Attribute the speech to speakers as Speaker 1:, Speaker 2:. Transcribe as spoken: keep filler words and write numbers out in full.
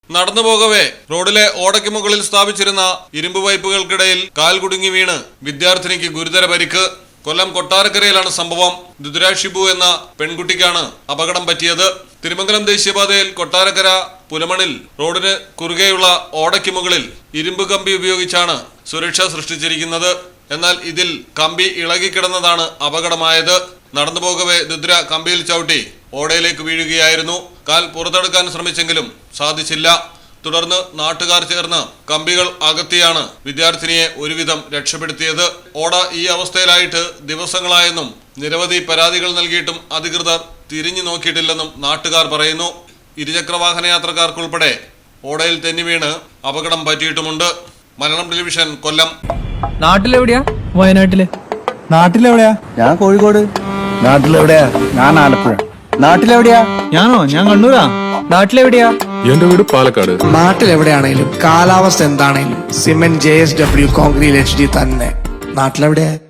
Speaker 1: നടന്നു പോകവേ റോഡിലെ ഓടയ്ക്ക് മുകളിൽ സ്ഥാപിച്ചിരുന്ന ഇരുമ്പ് പൈപ്പുകൾക്കിടയിൽ കാൽ കുടുങ്ങി വീണ് വിദ്യാർത്ഥിനിക്ക് ഗുരുതര പരിക്ക്. കൊല്ലം കൊട്ടാരക്കരയിലാണ് സംഭവം. ദുദ്ര ഷിബു എന്ന പെൺകുട്ടിക്കാണ് അപകടം പറ്റിയത്. തിരുമംഗലം ദേശീയപാതയിൽ കൊട്ടാരക്കര പുലമണിൽ റോഡിന് കുറുകെയുള്ള ഓടയ്ക്ക് മുകളിൽ ഇരുമ്പ് കമ്പി ഉപയോഗിച്ചാണ് സുരക്ഷ സൃഷ്ടിച്ചിരിക്കുന്നത്. എന്നാൽ ഇതിൽ കമ്പി ഇളകിക്കിടന്നതാണ് അപകടമായത്. നടന്നു പോകവേ ദുദ്ര കമ്പിയിൽ ചവിട്ടി ഓടയിലേക്ക് വീഴുകയായിരുന്നു. കാൽ പുറത്തെടുക്കാൻ ശ്രമിച്ചെങ്കിലും സാധിച്ചില്ല. തുടർന്ന് നാട്ടുകാർ ചേർന്ന് കമ്പികൾ അകത്തിയാണ് വിദ്യാർത്ഥിനിയെ ഒരുവിധം രക്ഷപ്പെടുത്തിയത്. ഓട ഈ അവസ്ഥയിലായിട്ട് ദിവസങ്ങളായെന്നും നിരവധി പരാതികൾ നൽകിയിട്ടും അധികൃതർ തിരിഞ്ഞു നോക്കിയിട്ടില്ലെന്നും നാട്ടുകാർ പറയുന്നു. ഇരുചക്ര വാഹന യാത്രക്കാർക്കുൾപ്പെടെ ഓടയിൽ തെന്നി വീണ് അപകടം പറ്റിയിട്ടുമുണ്ട്. മലയാളം ടെലിവിഷൻ, കൊല്ലം.
Speaker 2: നാട്ടിലെവിടെയാ? വയനാട്ടില്.
Speaker 3: നാട്ടിലെവിടെയാ? ഞാൻ കോഴിക്കോട്. നാട്ടിലെവിടെയാ? ഞാൻ ആലപ്പുഴ. നാട്ടിലെവിടെയാ?
Speaker 2: ഞാനോ? ഞാൻ കണ്ണൂരാ. നാട്ടിലെവിടെയാ?
Speaker 4: എന്റെ വീട് പാലക്കാട്.
Speaker 3: നാട്ടിലെവിടെയാണേലും കാലാവസ്ഥ എന്താണേലും cement J S W concrete H D തന്നെ. നാട്ടിലെവിടെയാ?